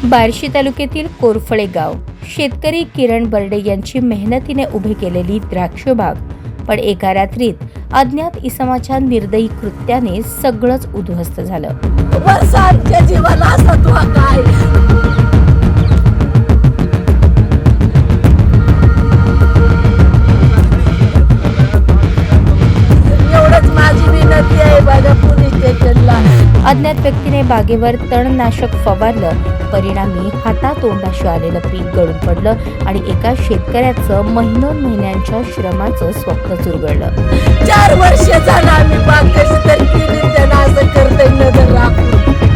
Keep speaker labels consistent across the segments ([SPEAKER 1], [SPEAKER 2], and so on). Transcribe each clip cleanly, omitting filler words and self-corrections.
[SPEAKER 1] बार्शी तालुक्यातील कोरफळे गाव शेतकरी किरण बर्डे यांची मेहनतीने उभी केलेली द्राक्ष बाग, पण एका रात्रीत अज्ञात इसमाच्या निर्दयी कृत्याने सगळंच उद्ध्वस्त झालं.
[SPEAKER 2] वर्षांच्या जीवाला सत्व काय? एवढंच माझी विनंती आहे बघा पोलीस स्टेशनला.
[SPEAKER 1] अज्ञात व्यक्तीने बागेवर तणनाशक फवारलं. परिणामी हातातोंडाशी आलेलं पीक गळून पडलं आणि एका शेतकऱ्याचं महिन्यांच्या श्रमाचं स्वप्न चुरगळलं.
[SPEAKER 2] 4 वर्ष झालं आम्ही बाग कशी तरी केली, त्यांना असं करते नजर राखून.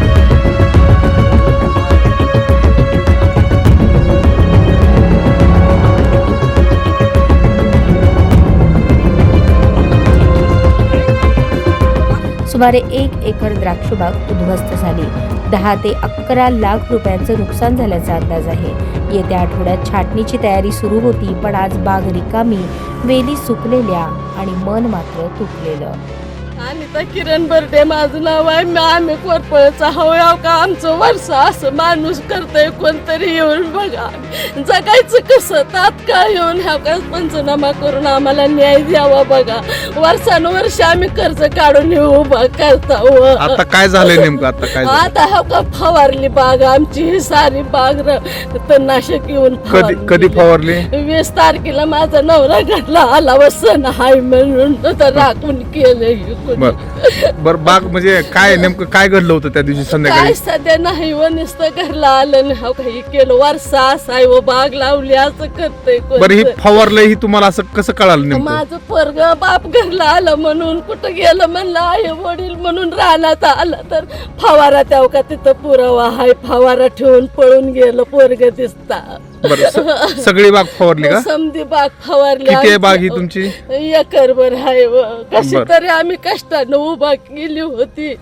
[SPEAKER 1] सुमारे 1 एकर द्राक्षबाग उद्ध्वस्त झाली. 10 ते 11 लाख रुपयांचं नुकसान झाल्याचा अंदाज आहे. येत्या आठवड्यात छाटणीची तयारी सुरू होती, पण आज बाग रिकामी, वेली सुकलेल्या आणि मन मात्र तुटलेलं.
[SPEAKER 2] आणि तर किरण बर्डे माझं नाव आहे. आम्ही कोरफळचा हवं का आमचं वर्ष असं माणूस करतोय कोणतरी येऊन बघा. जगायचं कसं? तात्काळ येऊन ह्या का पंचनामा करून आम्हाला न्याय द्यावा बघा. वर्षानुवर्ष आम्ही कर्ज काढून येऊ करता.
[SPEAKER 3] आता काय झालंय नेमकं? आता काय झालंय?
[SPEAKER 2] आता हा का फवारली बाग आमची, ही सारी बाग तणनाशक येऊन
[SPEAKER 3] कधी फवारली?
[SPEAKER 2] 20 तारखेला माझा नवरा घडला आला वसन हाय म्हणून तर राखून केलं.
[SPEAKER 3] बर बाग म्हणजे काय नेमकं काय घडलं होतं त्या दिवशी संध्याकाळी?
[SPEAKER 2] काय सध्या नाही व नुसतं घरला आलं नाही. हो काही केलं वर्षा असाय व बाग लावली असं करतय.
[SPEAKER 3] बरं ही फवारलंय ही तुम्हाला असं कसं कळालं नेमकं?
[SPEAKER 2] माझं पोरग बाप घरला आलं म्हणून कुठं गेलं म्हणलं आई वडील म्हणून रानात आलं तर फवारा त्या का तिथं पुरावा हाय. फवारा ठेवून पळून गेलं पोरग दिसता.
[SPEAKER 3] बरं सगळी बाग फवारली का?
[SPEAKER 2] समधी बाग फवारली.
[SPEAKER 3] किती आहे बाग ही तुमची?
[SPEAKER 2] एकरभर आहे व कशी
[SPEAKER 3] बरं.
[SPEAKER 2] तरी आम्ही कष्टानं उभा केली होती.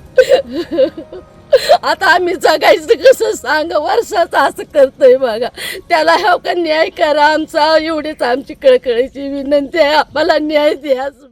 [SPEAKER 2] आता आम्ही जगायचं कसं सांग? वर्षाचं असं करतोय बघा. त्याला ह्या का न्याय करा आमचा, एवढीच आमची कळकळीची विनंती आहे. आम्हाला न्याय द्या.